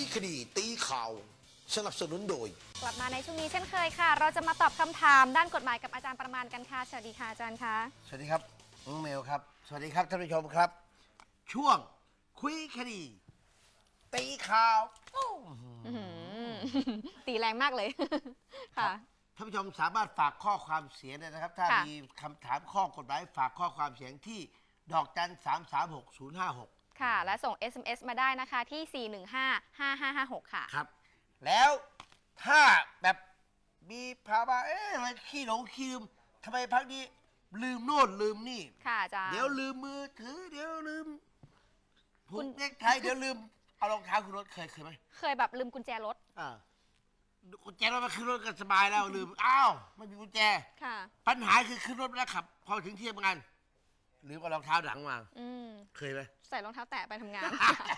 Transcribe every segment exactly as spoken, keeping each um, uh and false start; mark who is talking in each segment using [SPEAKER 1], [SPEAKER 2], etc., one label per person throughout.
[SPEAKER 1] คดีตีข่าวสนับสนุนโดย
[SPEAKER 2] กลับมาในช่วงนี้เช่นเคยค่ะเราจะมาตอบคำถามด้านกฎหมายกับอาจารย์ประมาณกันค่ะสวัสดีค่ะอาจารย์คะ
[SPEAKER 3] สวัสดีครับน้องเมลครับสวัสดีครับท่านผู้ชมครับช่วงคุยคดีตีข่าว
[SPEAKER 2] ตีแรงมากเลยค่ะ
[SPEAKER 3] ท่านผู้ชมสามารถฝากข้อความเสียงได้นะครับถ้ามีคำถามข้อกฎหมายฝากข้อความเสียงที่ดอกจันสามสามหกศูนย์ห้าหก
[SPEAKER 2] ค่ะและส่ง เอส เอ็ม เอส มาได้นะคะที่สี่หนึ่งห้าห้าห้าห้าหกค่ะ
[SPEAKER 3] ครับแล้วถ้าแบบมีภาวะเอ๊ะอะไรขี้หลงขี้ลืมทำไมพักนี้ลืมโน่นลืมนี่
[SPEAKER 2] ค่ะอาจารย์
[SPEAKER 3] เดี๋ยวลืมมือถือเดี๋ยวลืมผูกเน็กไทเดี๋ยวลืมเอารองเท้าขึ้นรถเคยเคยไหม
[SPEAKER 2] เคยแบบลืมกุญแจรถ
[SPEAKER 3] อ่ากุญแจรถมาขึ้นรถกันสบายแล้วลืมอ้าวไม่มีกุญแจ
[SPEAKER 2] ค่ะ
[SPEAKER 3] ปัญหาคือขึ้นรถแล้วขับพอถึงที่ทำงานลืมเอารองเท้าหลังมาเคยไหม
[SPEAKER 2] ใส่รองเท้าแตะไปทำงาน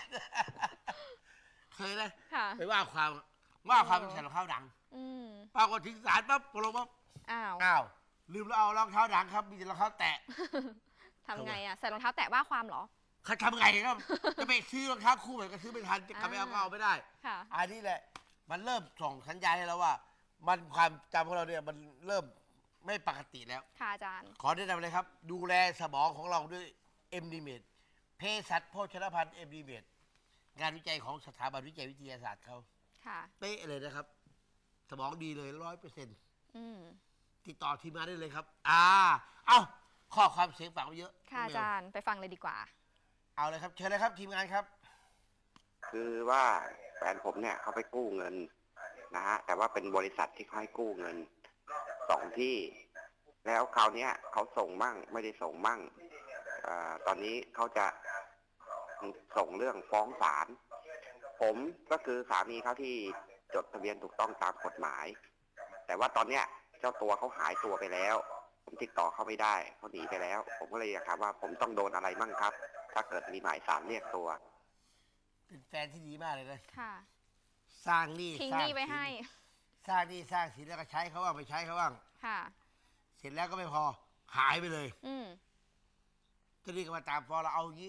[SPEAKER 3] เคยไหม
[SPEAKER 2] ค่ะ
[SPEAKER 3] ไปว่าความว่าความใส่รองเท้าหลังปรากฏถึงศาลปั๊บพอลงปั๊บ
[SPEAKER 2] อ้าว
[SPEAKER 3] อ้าวลืมแล้วเอารองเท้าหลังครับมีแต่รองเท้าแตะ
[SPEAKER 2] ทำไงอ่ะใส่รองเท้าแตะว่าความเหรอ
[SPEAKER 3] เขาทำไงครับจะไปซื้อรองเท้าคู่ใหม่ก็ซื้อไม่ทันจะกลับไปเอาก็เอาไม่ได้
[SPEAKER 2] ค่ะ
[SPEAKER 3] อันนี้แหละมันเริ่มส่งสัญญาณให้เราว่ามันความจำของเราเนี่ยมันเริ่มไม่ปกติแล้ว
[SPEAKER 2] ค่ะอาจารย์
[SPEAKER 3] ขอแนะนำเลยครับดูแลสมองของเราด้วยเอ็มดีเมดเภสัชโภชนภัณฑ์เอ็มดีเมดงานวิจัยของสถาบันวิจัยวิทยาศาสตร์เขา
[SPEAKER 2] ค่ะ
[SPEAKER 3] เป๊ะเลยนะครับสมองดีเลยร้อยเปอร์เซ็นต์ติดต่อทีมงานได้เลยครับอ่าเอ้าข้อความเสียงฝากไว้เยอะ
[SPEAKER 2] ค่ะอาจารย์ไปฟังเลยดีกว่า
[SPEAKER 3] เอาเลยครับเชิญเลยครับทีมงานครับ
[SPEAKER 4] คือว่าแฟนผมเนี่ยเขาไปกู้เงินนะฮะแต่ว่าเป็นบริษัทที่เขาให้กู้เงินสองที่แล้วคราวนี้เขาส่งมั่งไม่ได้ส่งมั่งอตอนนี้เขาจะส่งเรื่องฟ้องศาลผมก็คือสามีเขาที่จดทะเบียนถูกต้องตามกฎหมายแต่ว่าตอนเนี้ยเจ้าตัวเขาหายตัวไปแล้วผมติดต่อเขาไม่ได้เขาหนีไปแล้วผมก็เลยอยากถามว่าผมต้องโดนอะไรมั่งครับ ถ้าเกิดมีหมายศาลเรียกตัว
[SPEAKER 3] เป็นแฟนที่ดีมากเลยนะ
[SPEAKER 2] ค่ะ
[SPEAKER 3] สร้างหนี้
[SPEAKER 2] ทิ้งหนี้ไว้ให้
[SPEAKER 3] สร้างหนี้สร้างสินแล้วก็ใช้เขาบ้างไปใช้เขาบ้าง
[SPEAKER 2] ค่ะ
[SPEAKER 3] เสร็จแล้วก็ไม่พอหายไปเลย
[SPEAKER 2] อืม
[SPEAKER 3] จะรีบมาตามฟ้องเราเอาอย่างนี้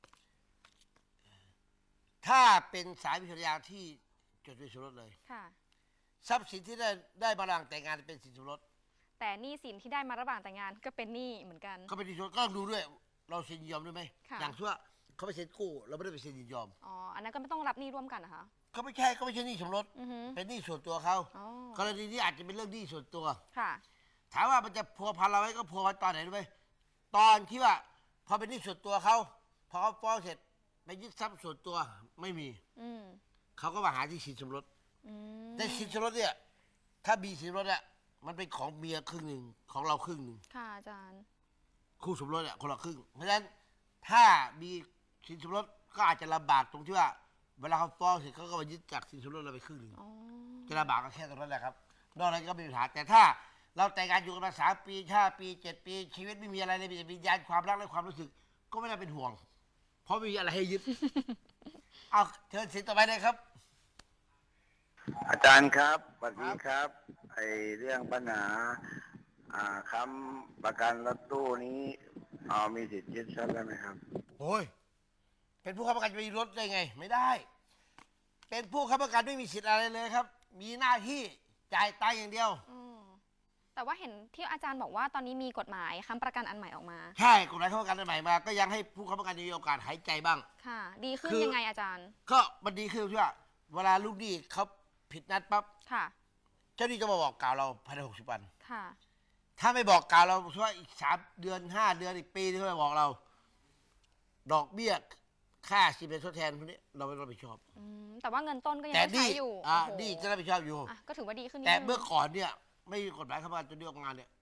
[SPEAKER 3] ถ้าเป็นสามีภรรยาที่จดทะเบียนสมรสเลย
[SPEAKER 2] ค่ะ
[SPEAKER 3] ทรัพย์สินที่ได้ได้มาระหว่างแต่งงานเป็นสินสมรส
[SPEAKER 2] แต่หนี้สินที่ได้มาระหว่างแต่งงานก็เป็นหนี้เหมือนกัน
[SPEAKER 3] ก็เป็นสินสมรสก็ดูด้วยเราเซ็นยินยอมด้วยไหมอย่างเช่นเขาไปเซ็นกู้เราไม่ได้ไปเซ็นยินยอม
[SPEAKER 2] อ๋ออันนั้นก็ไม่ต้องรับหนี้ร่วมกันนะคะ
[SPEAKER 3] เขาไม่ใช่เขาไม่ใช่หนี้สมรสเป็นหนี้ส่วนตัวเขากรณีนี้อาจจะเป็นเรื่องหนี้ส่วนตัว
[SPEAKER 2] ค่ะ
[SPEAKER 3] ถามว่ามันจะพัวพันเราไหมก็พัวพันตอนไหนรู้ไหมตอนที่ว่าพอเป็นหนี้ส่วนตัวเขาพอเขาฟ้องเสร็จไปยึดทรัพย์ส่วนตัวไม่มีเขาก็มาหาที่สินสมรสในสินสมรสเนี่ยถ้ามีสินสมรสเนี่ยมันเป็นของเมียครึ่งหนึ่งของเราครึ่งหนึ่ง
[SPEAKER 2] ค่ะอาจารย์
[SPEAKER 3] คู่สมรสเนี่ยคนละครึ่งเพราะฉะนั้นถ้ามีสินสมรสก็อาจจะลำบากตรงที่ว่าเวลาเขาฟ้องเสร็จเขาก็มายึดจากสินสมรสเราไปครึ่งหนึ่งจะลำบากก็แค่ตรงนั้นแหละครับนอกนั้นก็ไม่มีปัญหาแต่ถ้าเราแต่งงานอยู่กันมาสามปีห้าปีเจ็ดปีชีวิตไม่มีอะไรเลยมีแต่วิญญาณความรักและความรู้สึกก็ไม่น่าเป็นห่วงเพราะไม่มีอะไรให้ยึดเอาเชิญสินต่อไปเลยครับ
[SPEAKER 4] อาจารย์ครับสวัสดีครับไอเรื่องปัญหาค้ำประกันรถตู้นี้มีสิทธิ์ยึดทรัพย์ได้ไหมครับ
[SPEAKER 3] โอ้ยเป็นผู้ค้ำประกันจะมีรถได้ไงไม่ได้เป็นผู้ค้ำประกันไม่มีสิทธิ์อะไรเลยครับมีหน้าที่จ่ายตังค์อย่างเดียว
[SPEAKER 2] แต่ว่าเห็นที่อาจารย์บอกว่าตอนนี้มีกฎหมายค้ำประกันอันใหม่ออกมา
[SPEAKER 3] ใช่กฎหมายค้ำประกันอันใหม่มาก็ยังให้ผู้ค้ำประกันมีโอกาสหายใจบ้าง
[SPEAKER 2] ค่ะดีขึ้นยังไงอาจารย์
[SPEAKER 3] ก็มันดีขึ้นที่ว่าเวลาลูกหนี้เขาผิดนัดปั๊บ
[SPEAKER 2] ค่ะ
[SPEAKER 3] เจ้าหนี้จะมาบอกกล่าวเราภายในหกสิบวัน
[SPEAKER 2] ค่ะ
[SPEAKER 3] ถ้าไม่บอกกล่าวเราช่วยอีกสามเดือนห้าเดือนอีกปีที่เขาจะบอกเราดอกเบี้ยค่าสินเป็นทดแทนพวกนี้เราไม่รับผิดชอบ
[SPEAKER 2] แต่ว่าเงินต้นก็ยังใช้อยู่
[SPEAKER 3] อ่านี่จะรับผิดชอบอยู่
[SPEAKER 2] ก็ถือว่าดีขึ้น
[SPEAKER 3] แต่เมื่อก่อนเนี่ยไม่มีกฎหมายค้ำประกันจนได้ออกงานเนี่ย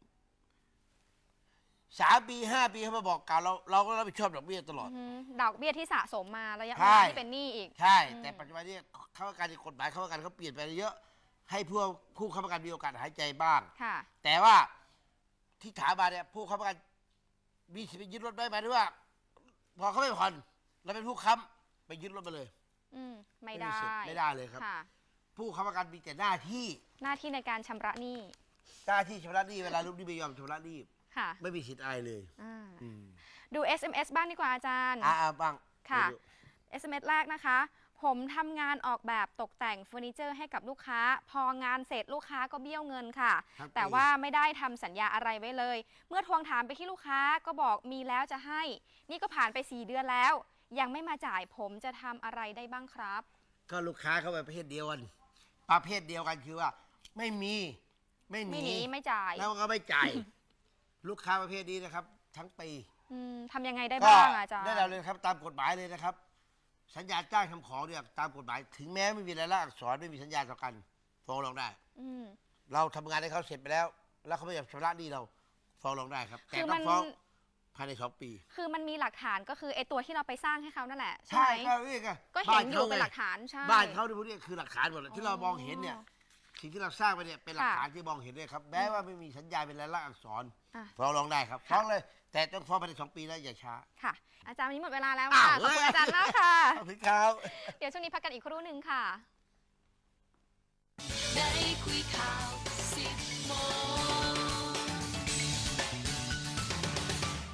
[SPEAKER 3] สามปีห้าปีเขามาบอกกล่าวเราเราก็รับผิดชอบดอกเบี้ยตลอด
[SPEAKER 2] ดอกเบี้ยที่สะสมมาระยะเวลาที่เป็นหนี้อีก
[SPEAKER 3] ใช่แต่ปัจจุบันนี้ค้ำประกันกฎหมายค้ำประกันเขาเปลี่ยนไปเยอะให้ผู้ผู้ค้ำประกันมีโอกาสหายใจบ้างแต่ว่าที่ถามมาเนี่ยผู้ค้ำประกันมีสิทธิ์ยึดรถได้ไหมหรือว่าพอเขาไม่ผ่อนเราเป็นผู้ค้ำไปยึดรถไปเลย
[SPEAKER 2] อืมไม่ได้
[SPEAKER 3] ไม่ได้เลยครับผู้ค้ำประกันมีแต่หน้าที่
[SPEAKER 2] หน้าที่ในการชำระหนี้
[SPEAKER 3] หน้าที่ชำระหนี้เวลาลูกหนี้ไม่ยอมชำระหนี้ไม่มีสิทธิ์อะไรเลย
[SPEAKER 2] ดู เอส เอ็ม เอส บ้างดีกว่าอาจารย์
[SPEAKER 3] อ่าบ้าง
[SPEAKER 2] ค่ะ เอส เอ็ม เอส แรกนะคะผผมทำงานออกแบบตกแต่งเฟอร์นิเจอร์ให้กับลูกค้า พองานเสร็จลูกค้าก็เบี้ยวเงินค่ะ แต่ว่าไม่ได้ทำสัญญาอะไรไว้เลย เมื่อทวงถามไปที่ลูกค้าก็บอกมีแล้วจะให้ นี่ก็ผ่านไปสี่เดือนแล้ว ยังไม่มาจ่ายผมจะทำอะไรได้บ้างครับ
[SPEAKER 3] ก็ลูกค้าเขาประเภทเดียวกันประเภทเดียวกันคือว่า ไม่มีไม่ห
[SPEAKER 2] ไม่
[SPEAKER 3] นี
[SPEAKER 2] หนีไม่จ่าย
[SPEAKER 3] แล้วก็ไม่จ่าย ลูกค้าประเภทนี้นะครับ ทั้งปี
[SPEAKER 2] อืมทำยังไงได้
[SPEAKER 3] ก็
[SPEAKER 2] บ้างอาจารย์
[SPEAKER 3] ได้เราเลยครับตามกฎหมายเลยนะครับ สัญญาจ้างทำของเนี่ยตามกฎหมาย ถึงแม้ไม่มีรายลักษณ์อักษรไม่มีสัญญาต่อกันฟ้องร้องได้
[SPEAKER 2] อืม
[SPEAKER 3] เราทำงานให้เขาเสร็จไปแล้ว แล้วเขาไม่ยอมชำระหนี้เราฟ้องร้องได้ครับ แต่
[SPEAKER 2] คือ
[SPEAKER 3] ต้
[SPEAKER 2] มั
[SPEAKER 3] อง
[SPEAKER 2] น
[SPEAKER 3] ฟ้องภายในสองปี
[SPEAKER 2] คือมันมีหลักฐานก็คือไอตัวที่เราไปสร้างให้เขานั่นแหละใช่
[SPEAKER 3] ใช่
[SPEAKER 2] ไหม
[SPEAKER 3] ก็นี่ไง
[SPEAKER 2] ก็เห็นอยู่เป็นหลักฐานใช่
[SPEAKER 3] บ้านเขาที่พวกนี้คือหลักฐานหมดเลยที่เรามองเห็นเนี่ย
[SPEAKER 2] อ๋อ
[SPEAKER 3] สิ่งที่เราสร้างไปเนี่ยเป็นหลัก
[SPEAKER 2] ค่ะ
[SPEAKER 3] ฐานที่มองเห็นเลยครับแม้ว่าไม่มีสัญญาเป็นลายลักษณ์อักษร
[SPEAKER 2] อ่ะ
[SPEAKER 3] ฟ้องร้องได้ครับ
[SPEAKER 2] ค่ะ
[SPEAKER 3] ฟ้องเลย แต่ต้องฟ้องภายในสองปีนะอย่าช้า
[SPEAKER 2] ค่ะ อาจารย์วันนี้หมดเวลาแล้ว
[SPEAKER 3] อ้า
[SPEAKER 2] ค่ะ
[SPEAKER 3] ว
[SPEAKER 2] ขอบคุณอาจารย์มากค่ะ
[SPEAKER 3] ขอบคุณครับ
[SPEAKER 2] เดี๋ยวช่วงนี้พักกันอีกครู่หนึ่งค่ะ
[SPEAKER 5] ได้คุยข่าว